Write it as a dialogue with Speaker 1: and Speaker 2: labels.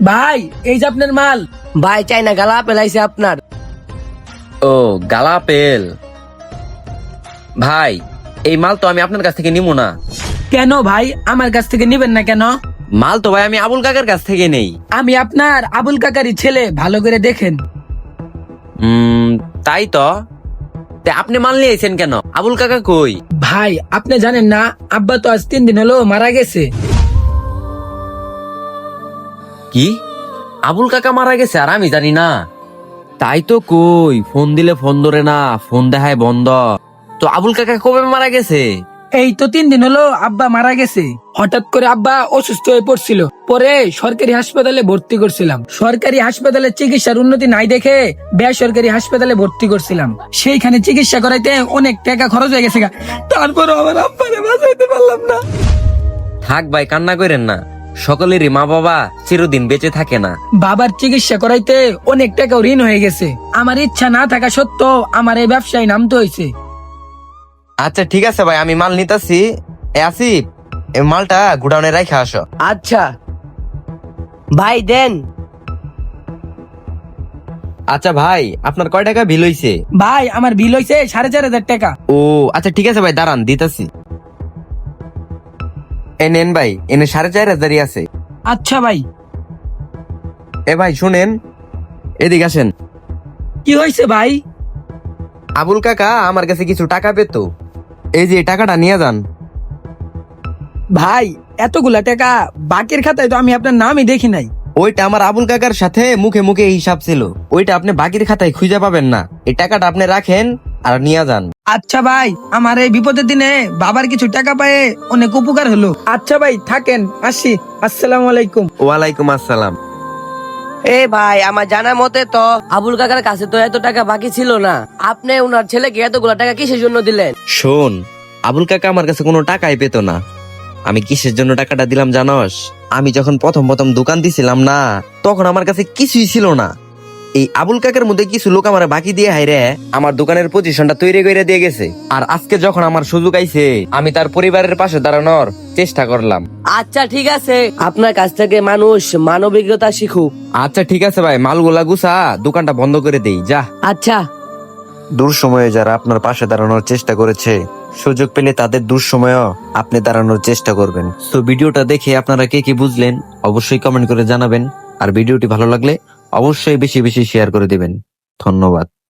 Speaker 1: ভাই এই যে আপনার মাল।
Speaker 2: ভাই চাইনা গালা আপেল আইছে আপনার।
Speaker 3: ও গালা আপেল। ভাই এই মাল তো আমি আপনার কাছ থেকে নিবো না।
Speaker 1: কেন ভাই আমার কাছ থেকে নিবেন না কেন?
Speaker 3: মাল তো ভাই আমি আবুল কাকার কাছ থেকে নেই।
Speaker 1: আমি আপনার আবুল কাকারি ছেলে, ভালো করে দেখেন।
Speaker 3: তাই তো। তা আপনি মাল নিয়ে আইছেন কেন? আবুল কাকা কই?
Speaker 1: ভাই আপনি জানেন না, আব্বা তো আজ 3 দিন হলো মারা গেছে।
Speaker 3: কি? আবুল কাকা মারা গেছে আর আমি জানি না? তাই তো কই, ফোন দিলে ফোন ধরে না, ফোন দেখায় বন্ধ। তো আবুল কাকা কবে মারা গেছে?
Speaker 1: এই তো 3 দিন হলো আব্বা মারা গেছে। হঠাৎ করে আব্বা অসুস্থ হয়ে পড়ছিল, পরে সরকারি হাসপাতালে ভর্তি করছিলাম। সরকারি হাসপাতালে চিকিৎসার উন্নতি নাই দেখে বেসরকারি হাসপাতালে ভর্তি করছিলাম। সেইখানে চিকিৎসা করাইতে অনেক টাকা খরচ হয়ে গেছে গা। তারপরে আমার আব্বারে বাঁচাইতে পারলাম না।
Speaker 3: থাক ভাই, কান্না করেন না। সকলেরই মা বাবা চিরদিন বেঁচে থাকে না।
Speaker 1: বাবার চিকিৎসা করাইতে অনেক টাকা ঋণ হয়ে গেছে। আমার ইচ্ছা না থাকা সত্ত্বেও আমার এই ব্যবসায় নামতে হয়েছে।
Speaker 4: আচ্ছা ঠিক আছে ভাই, আমি মাল নিতেছি। আসিফ, এই মালটা গুডাউনে রাখা আসো।
Speaker 2: আচ্ছা ভাই দেন।
Speaker 4: আচ্ছা ভাই, আপনার কয় টাকা বিল হইছে?
Speaker 1: ভাই আমার বিল হয়েছে 4,500 টাকা।
Speaker 4: ও আচ্ছা ঠিক আছে ভাই, দাঁড়ান দিতেছি। এ নেন ভাই, এনে 4,500 আছে।
Speaker 1: আচ্ছা ভাই।
Speaker 4: এ ভাই শুনেন, এদিকে আসেন।
Speaker 1: কি হয়েছে ভাই?
Speaker 4: আবুল কাকা আমার কাছে কিছু টাকা পেত, এই যে এই টাকাটা নিয়ে যান।
Speaker 1: ভাই এতগুলা টাকা বাকির খাতায় তো আমি আপনার নামই দেখি নাই।
Speaker 4: ওইটা আমার আবুল কাকার সাথে মুখে মুখে হিসাব ছিল, ওইটা আপনি বাকির খাতায় খুঁজে পাবেন না। এই টাকাটা আপনি রাখেন আর নিয়ে যান।
Speaker 1: আচ্ছা ভাই, আমার এই বিপদের দিনে বাবার কিছু টাকা পায়ে অনেক উপকার হলো। আচ্ছা ভাই থাকেন, আসি। আসসালামু আলাইকুম।
Speaker 4: ওয়ালাইকুম আসসালাম।
Speaker 2: এ ভাই আমার জানা মতে তো আবুল কাকার কাছে তো এত টাকা বাকি ছিল না। আপনি উনার ছেলেকে এতগুলা টাকা কিসের জন্য দিলেন?
Speaker 4: শোন, আবুল কাকা আমার কাছে কোনো টাকাই পেত না। আমি কিসের জন্য টাকাটা দিলাম জানস? আমি যখন প্রথম প্রথম দোকান দিছিলাম না, তখন আমার কাছে কিছুই ছিল না। এই আবুল কাকার মধ্যে কিছু লোক আমার বাকি দিয়ে হাইরে আমার দোকানের পজিশনটা তৈরি করে দিয়ে গেছে। আর আজকে যখন আমার সুযোগ আইছে, আমি তার পরিবারের পাশে দাঁড়ানোর চেষ্টা করলাম।
Speaker 2: আচ্ছা ঠিক আছে, আপনার কাছ থেকে মানুষ মানবিকতা শিখুক।
Speaker 4: আচ্ছা ঠিক আছে ভাই, মালগুলা গুছা, দোকানটা বন্ধ করে দেই যা।
Speaker 2: আচ্ছা।
Speaker 4: দুঃসময়ে যারা আপনার পাশে দাঁড়ানোর চেষ্টা করেছে, সুযোগ পেলে তাদের দুঃসময়েও আপনি দাঁড়ানোর চেষ্টা করবেন। তো ভিডিওটা দেখে আপনারা কে কি বুঝলেন অবশ্যই কমেন্ট করে জানাবেন। আর ভিডিওটি ভালো লাগলে অবশ্যই বেশি বেশি শেয়ার করে দিবেন। ধন্যবাদ।